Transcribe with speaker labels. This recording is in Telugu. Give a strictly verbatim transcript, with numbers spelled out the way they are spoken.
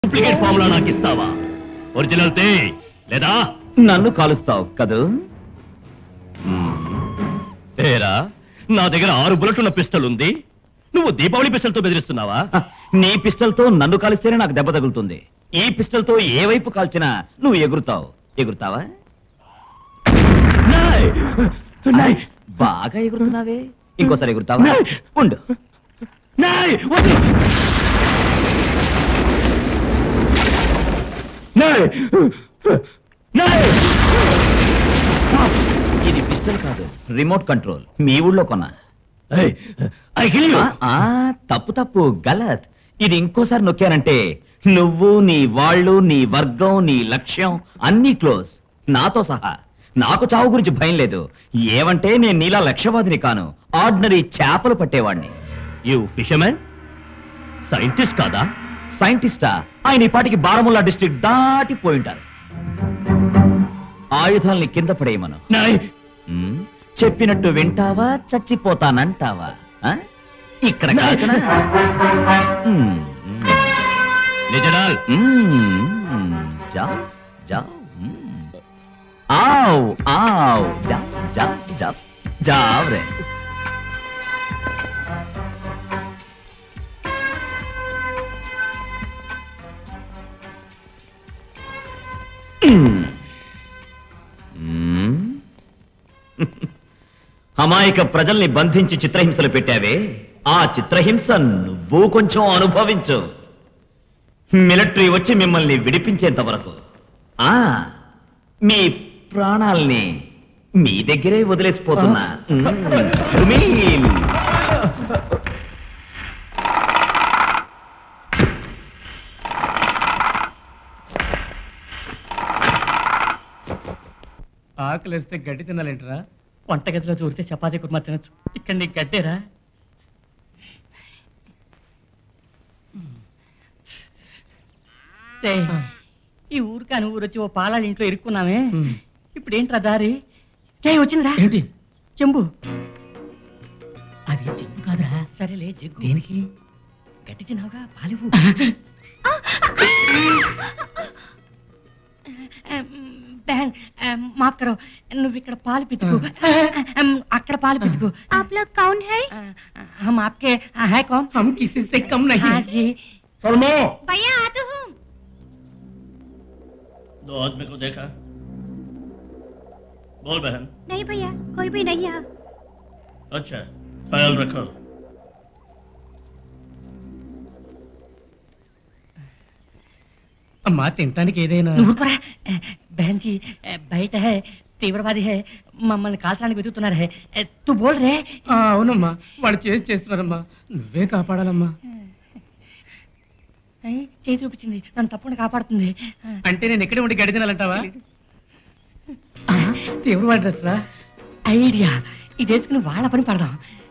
Speaker 1: డూప్లికేట్ ఫార్ములా నాకు ఇస్తావా? ఒరిజినల్ తే లేదా
Speaker 2: నన్ను కాలుస్తావు కదూ?
Speaker 1: ఏరా, నా దగ్గర ఆరు బుల్లెట్ ఉన్న పిస్టల్ ఉంది, నువ్వు దీపావళి పిస్టల్ తో బెదిరిస్తున్నావా?
Speaker 2: నీ పిస్టల్ తో నన్ను కాలిస్తేనే నాకు దెబ్బ తగులుతుంది. ఈ పిస్టల్ తో ఏ వైపు కాల్చినా నువ్వు ఎగురుతావు. ఎగురుతావా? బాగా ఎగురుతున్నావే. ఇంకోసారి ఎగురుతావా? ఉండు. ఇది పిస్టల్ కాదు, రిమోట్ కంట్రోల్. మీ ఊళ్ళో కొన్నా. తప్పు తప్పు గలత్. ఇది ఇంకోసారి నొక్కానంటే నువ్వు, నీ వాళ్ళు, నీ వర్గం, నీ లక్ష్యం అన్నీ క్లోజ్, నాతో సహా. నాకు చావు గురించి భయం లేదు. ఏమంటే నేను నీలా లక్ష్యవాదిని కాను, ఆర్డినరీ చేపలు పట్టేవాడిని.
Speaker 1: You fishermen? సైంటిస్ట్ కాదా?
Speaker 2: సైంటిస్టా? ఆయన ఈ పాటికి బారాముల్లా డిస్ట్రిక్ట్ దాటిపోయింటారు. ఆయుధాల్ని కింద పడేయమను. చెప్పినట్టు వింటావా, చచ్చిపోతానంటావా? ఇక్కడ కాల్చనా?
Speaker 1: నిజడాల్
Speaker 2: జావ్ జావ్ ఆవ్ ఆవ్ జావ్ జావ్ జావ్ జావ్ రే. అమాయక ప్రజల్ని బంధించి చిత్రహింసలు పెట్టావే, ఆ చిత్రహింస నువ్వు కొంచెం అనుభవించు. మిలిటరీ వచ్చి మిమ్మల్ని విడిపించేంత వరకు ఆ మీ ప్రాణాల్ని మీ దగ్గరే వదిలేసిపోతున్నా.
Speaker 3: ఆకలిస్తే గడ్డి తినాలేంటరా? వంటగదిలో చూరితే చపాతీ కుర్మా తినచ్చు, ఇక్కడ నీకు గడ్డేరా? ఈ ఊరు కాని ఊరు వచ్చి ఓ పాలాల ఇంట్లో ఇరుక్కున్నామే, ఇప్పుడు ఏంట్రా దారి? చేయి వచ్చిందిరా. ఏంటి? చెంబు. అది చెంబు కాదురా. సరేలే జగ్గు. దేనికి? గడ్డి తిన్నావుగా, పాలివు. बहन माफ करो, నువ్వు ఇక్కడ పాలు పితుకు, అక్కడ పాలు పితుకు.
Speaker 4: आप लोग कौन है?
Speaker 3: हम आपके है कौन? हम किसी से कम नहीं। हाँ जी।
Speaker 1: सलमो
Speaker 4: भैया आती हूँ।
Speaker 1: दो आदमी को देखा? बोल बहन।
Speaker 4: नहीं भैया, कोई भी नहीं है।
Speaker 1: अच्छा, ख्याल रखो।
Speaker 3: అమ్మా తినటానికి ఏదైనా. బహన్ జీ బయట హై, తీవ్రవాది హై, మమ్మల్ని కాల్చడానికి వెతుకుతున్నారు హై. తు బోల్ రే. అవునమ్మా, వాళ్ళు చేసి చేస్తున్నారమ్మా, నువ్వే కాపాడాలమ్మా. చేయి చూపించింది, నన్ను తప్పకుండా కాపాడుతుంది. అంటే నేను ఎక్కడే ఉండి గడి తినాలంటావా? తీవ్రవాడి డ్రెస్ రా. ఐడియా, ఈ డ్రెస్కి వాళ్ళ పని పడదాం.